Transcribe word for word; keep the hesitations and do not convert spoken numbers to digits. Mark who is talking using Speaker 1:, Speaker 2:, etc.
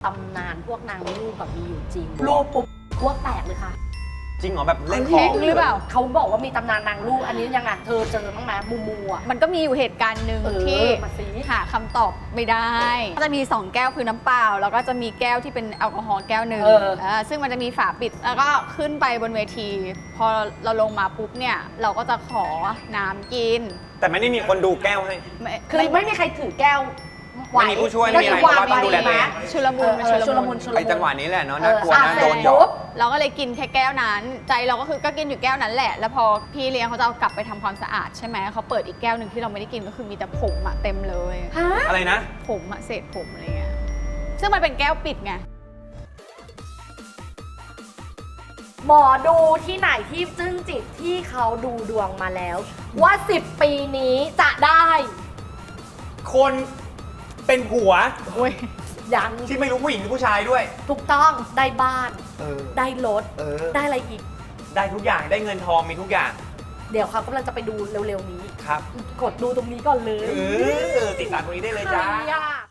Speaker 1: ำนานพวกนางลูกแบบมีอยู่จริงลูกปุ๊บพวกแตกเลยค่ะ
Speaker 2: จริงเหรอแบบเล่นข
Speaker 3: เค้
Speaker 2: อก ง
Speaker 3: หรือเปล่า
Speaker 1: เขาบอกว่ามีตำนานนางลูกอันนี้ยังไงเธอเจอบ้างไหมมูมูอ่ะ
Speaker 3: มันก็มีอยู่เหตุการณ์หนึ่ง
Speaker 1: เออ
Speaker 3: ที่
Speaker 1: มาสิ
Speaker 3: หาคำตอบไม่ได้ก็จะมีสองแก้วคือน้ำเปล่าแล้วก็จะมีแก้วที่เป็นแอลกอฮอล์แก้วหนึ่ง
Speaker 1: เออ
Speaker 3: เออซึ่งมันจะมีฝาปิดแล้วก็ขึ้นไปบนเวที พอเราลงมาปุ๊บเนี่ยเราก็จะขอน้ำกิน
Speaker 2: แต่ไม่ได้มีคนดูแก้วให้
Speaker 3: ไม่
Speaker 1: คือไม่มีใครถือแก้วไหว
Speaker 2: ไม่มีผู้ช่วยไม่มีอะไร
Speaker 1: ก็
Speaker 2: เพราะว่าต้องดูแลตัวเอง
Speaker 3: ชุลมุน
Speaker 1: เออ
Speaker 3: มัน
Speaker 1: ชุลมุนชุลมุน
Speaker 2: ไอ้จังหวะนี้แหละเนาะน่ากลัว
Speaker 1: เออ
Speaker 2: นะ
Speaker 1: อ่ะ
Speaker 2: โดนหยอ
Speaker 1: เสร็จปุ๊
Speaker 2: ก
Speaker 1: บ
Speaker 3: เราก็เลยกินแค่แก้วนั้น ใจเราก็คือก็กินอยู่แก้วนั้นแหละ แล้วพอพี่เลี้ยงเขาจะเอากลับไปทำความสะอาดใช่ไหมเขาเปิดอีกแก้วหนึ่งที่เราไม่ได้กินก็คือมีแต่ผมอะเต็มเลย
Speaker 1: ฮะ
Speaker 2: อะไรนะ
Speaker 3: ผมอะเศษผมอะไรเงี้ยซึ่งมันเป็นแก้วปิดไง
Speaker 1: หมอดูที่ไหนที่จึ้งจิตที่เขาดูดวงมาแล้ว ว่าสิบปีนี้จะได้
Speaker 2: คนเป็นผัว
Speaker 1: ยัง
Speaker 2: ที่ไม่รู้ผู้หญิงหรือผู้ชายด้วย
Speaker 1: ถูกต้องได้บ้าน
Speaker 2: เออ
Speaker 1: ได้รถ
Speaker 2: เออ
Speaker 1: ได้อะไรอีก
Speaker 2: ได้ทุกอย่างได้เงินทองมีทุกอย่าง
Speaker 1: เดี๋ยวเขากำลังจะไปดูเร็วๆนี้
Speaker 2: ครับ
Speaker 1: กดดูตรงนี้ก่อนเลย
Speaker 2: เออติดตามตรงนี้ได้เลยจ้า
Speaker 1: ใครอะ